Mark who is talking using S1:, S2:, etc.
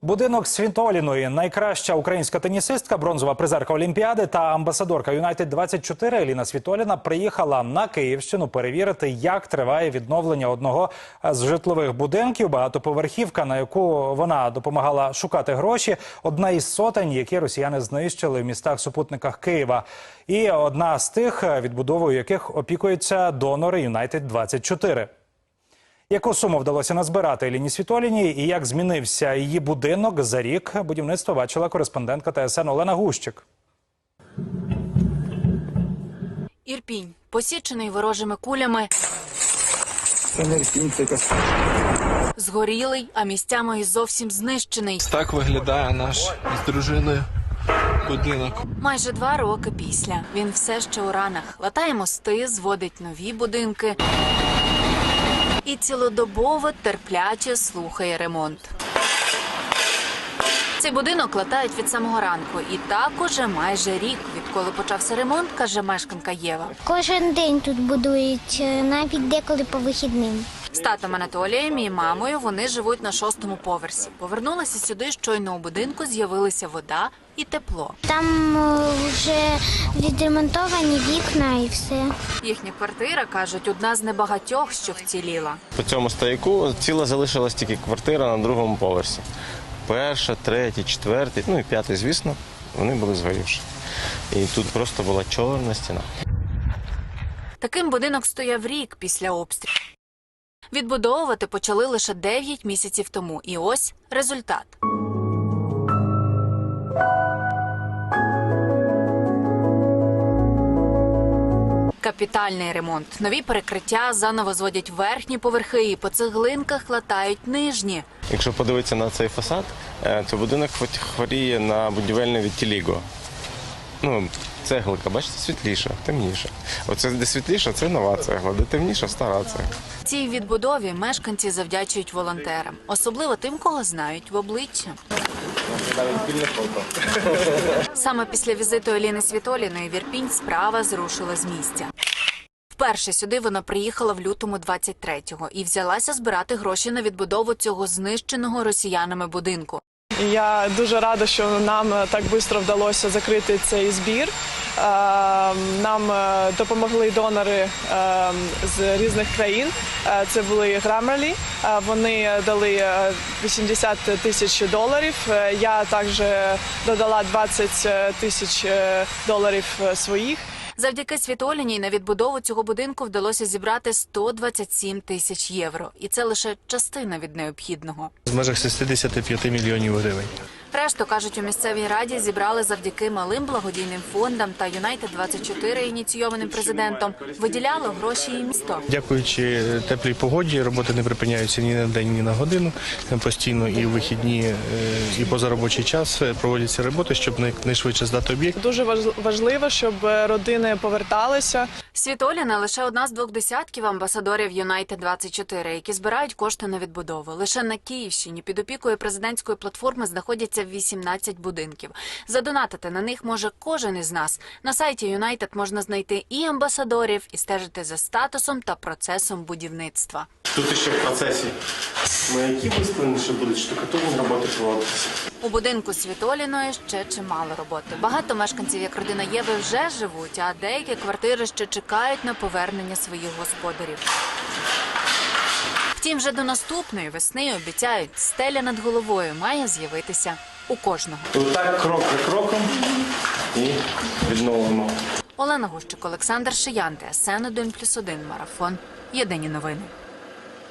S1: Будинок Світоліної, найкраща українська тенісистка, бронзова призерка Олімпіади та амбасадорка Юнайтед-24 Еліна Світоліна приїхала на Київщину перевірити, як триває відновлення одного з житлових будинків. Багатоповерхівка, на яку вона допомагала шукати гроші, одна із сотень, які росіяни знищили в містах-супутниках Києва. І одна з тих, відбудовою яких опікуються донори Юнайтед-24. Яку суму вдалося назбирати Еліні Світоліній і як змінився її будинок за рік, будівництво бачила кореспондентка ТСН Олена Гущик.
S2: Ірпінь, посічений ворожими кулями, згорілий, а місцями і зовсім знищений.
S3: Так виглядає наш з дружиною будинок.
S2: Майже 2 роки після. Він все ще у ранах. Латає мости, зводить нові будинки і цілодобово терпляче слухає ремонт. Цей будинок латають від самого ранку. І так уже майже рік, відколи почався ремонт, каже мешканка Єва.
S4: Кожен день тут будують, навіть деколи по вихідним.
S2: З татом Анатолієм і мамою вони живуть на 6-му поверсі. Повернулися сюди, щойно у будинку з'явилися вода і тепло.
S4: Там вже відремонтовані вікна і все.
S2: Їхня квартира, кажуть, одна з небагатьох, що вціліла.
S5: По цьому стояку ціла залишилась тільки квартира на 2-му поверсі. 1-й, 3-й, 4-й, ну і 5-й, звісно, вони були згорівші. І тут просто була чорна стіна.
S2: Таким будинок стояв рік після обстрілу. Відбудовувати почали лише 9 місяців тому. І ось результат. Капітальний ремонт. Нові перекриття, заново зводять верхні поверхи і по цеглинках латають нижні.
S5: Якщо подивитися на цей фасад, то будинок хворіє на будівельне відтіліго. Ну, цеглика, бачите, світліша, темніша. Оце де світліша, це нова цегла, де темніша – стара цегла.
S2: Цій відбудові мешканці завдячують волонтерам. Особливо тим, кого знають в обличчя. Саме після візиту Еліни Світоліної в Ірпінь справа зрушила з місця. Вперше сюди вона приїхала в лютому 23-го і взялася збирати гроші на відбудову цього знищеного росіянами будинку.
S6: Я дуже рада, що нам так швидко вдалося закрити цей збір. Нам допомогли донори з різних країн. Це були Grammarly. Вони дали $80 тисяч. Я також додала $20 тисяч своїх.
S2: Завдяки Світоліній на відбудову цього будинку вдалося зібрати 127 тисяч євро. І це лише частина від необхідного.
S7: В межах 65 мільйонів гривень.
S2: Решту, кажуть, у місцевій раді зібрали завдяки малим благодійним фондам та Юнайтед-24, ініційованим президентом, виділяло гроші і місто.
S7: Дякуючи теплій погоді, роботи не припиняються ні на день, ні на годину. Постійно і в вихідні, і позаробочий час проводяться роботи, щоб найшвидше здати об'єкт.
S6: Дуже важливо, щоб родини поверталися.
S2: Світоліна – лише одна з 2 десятків амбасадорів Юнайтед-24, які збирають кошти на відбудову. Лише на Київщині під опікою президентської платформи знаходяться 18 будинків. Задонатити на них може кожен із нас. На сайті Юнайтед можна знайти і амбасадорів, і стежити за статусом та процесом будівництва.
S5: Тут ще в процесі маяки виставлені, що будуть штукатурні роботи проводитися.
S2: У будинку Світоліної ще чимало роботи. Багато мешканців, як родина Єви, вже живуть, а деякі квартири ще чекають на повернення своїх господарів. Втім, вже до наступної весни, обіцяють, стеля над головою має з'явитися у кожного.
S5: Так, крок за кроком і відновимо.
S2: Олена Гущик, Олександр Шиян, ТСН 1+1, Марафон. Єдині новини.